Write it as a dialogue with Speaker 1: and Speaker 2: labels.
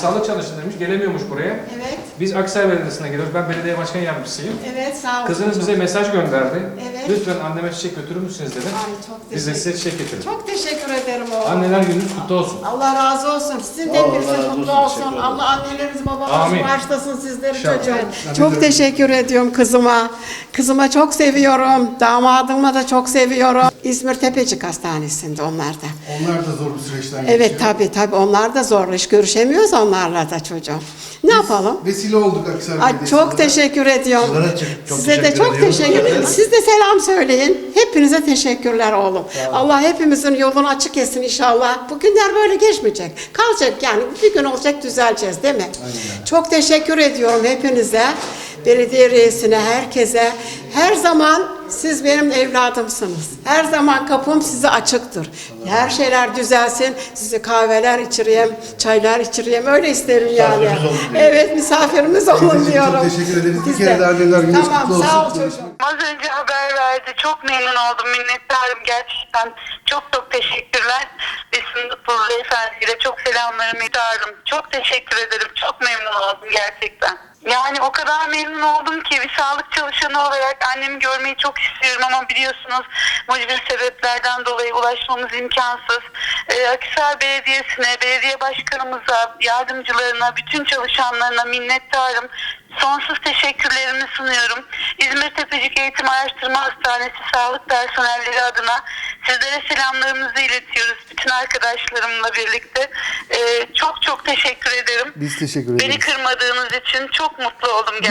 Speaker 1: Sağlık çalışın demiş, gelemiyormuş buraya.
Speaker 2: Evet.
Speaker 1: Biz Aksaray Belediyesi'ne geliyoruz. Ben belediye başkan yardımcısıyım.
Speaker 2: Evet, sağ olun.
Speaker 1: Kızınız bize mesaj gönderdi.
Speaker 2: Evet.
Speaker 1: Lütfen anneme çiçek götürür müsünüz dedi.
Speaker 2: Ay çok
Speaker 1: Biz de
Speaker 2: teşekkür
Speaker 1: size çiçek getirdik.
Speaker 2: Çok teşekkür ederim oğlum.
Speaker 1: Anneler gününüz kutlu olsun.
Speaker 2: Allah razı olsun. Sizin de
Speaker 3: Allah
Speaker 2: hepinizin
Speaker 3: razı
Speaker 2: mutlu
Speaker 3: olsun.
Speaker 2: olsun.
Speaker 3: Teşekkür
Speaker 2: Allah annelerinizi babalarınızı
Speaker 1: Amin.
Speaker 2: bağışlasın sizleri
Speaker 1: İnşallah.
Speaker 2: çocuğum. Çok teşekkür ediyorum kızıma. Kızıma çok seviyorum. Damadıma da çok seviyorum. İzmir Tepecik Hastanesi'nde onlar da.
Speaker 3: Onlar da zor bir süreçten geçiyor.
Speaker 2: Evet tabii onlar da zor iş. Görüşemiyoruz onlarla da çocuğum. Ne yapalım?
Speaker 3: Vesile olduk Aksaray
Speaker 2: Ay,
Speaker 3: Belediyesi'ne.
Speaker 2: çok teşekkür ediyorum.
Speaker 3: Sizlere çok
Speaker 2: Size de
Speaker 3: teşekkür
Speaker 2: çok
Speaker 3: ediyoruz.
Speaker 2: teşekkür ederim. Siz de selam söyleyin. Hepinize teşekkürler oğlum. Allah hepimizin yolunu açık etsin inşallah. Bu günler böyle geçmeyecek. Kalacak yani. Bir gün olacak düzeleceğiz değil mi?
Speaker 3: Aynen.
Speaker 2: Çok teşekkür ediyorum hepinize. Belediye reisine, herkese. Her zaman siz benim evladımsınız. Her zaman kapım size açıktır. Her şeyler düzelsin. Size kahveler içireyim, çaylar içireyim. Öyle isterim yani.
Speaker 3: Misafirimiz olun diye.
Speaker 2: Evet, misafirimiz olun
Speaker 3: Teyzeciğim,
Speaker 2: diyorum.
Speaker 3: çok teşekkür ederiz. Bir
Speaker 2: Biz
Speaker 3: kere de anneler gününüz
Speaker 2: Tamam,
Speaker 3: kutlu olsun.
Speaker 2: sağ ol çocuğum.
Speaker 4: Az önce haber verdi. Çok memnun oldum. Minnettarım gerçekten. Çok teşekkürler. Besim Mutlu Beyefendi'yle çok selamlarımı iletirdim. Çok teşekkür ederim. Çok memnun oldum gerçekten. Yani o kadar memnun oldum ki bir sağlık çalışanı olarak annemi görmeyi çok istiyorum ama biliyorsunuz mucbir sebeplerden dolayı ulaşmamız imkansız. Akhisar Belediyesi'ne, belediye başkanımıza, yardımcılarına, bütün çalışanlarına minnettarım. Sonsuz teşekkürlerimi sunuyorum. İzmir Tepecik Eğitim Araştırma Hastanesi sağlık personelleri adına sizlere selamlarımızı iletiyoruz. Bütün arkadaşlarımla birlikte. Çok teşekkür ederim.
Speaker 3: Biz teşekkür
Speaker 4: Beni
Speaker 3: ederiz.
Speaker 4: kırmadığınız için çok mutlu oldum gerçekten.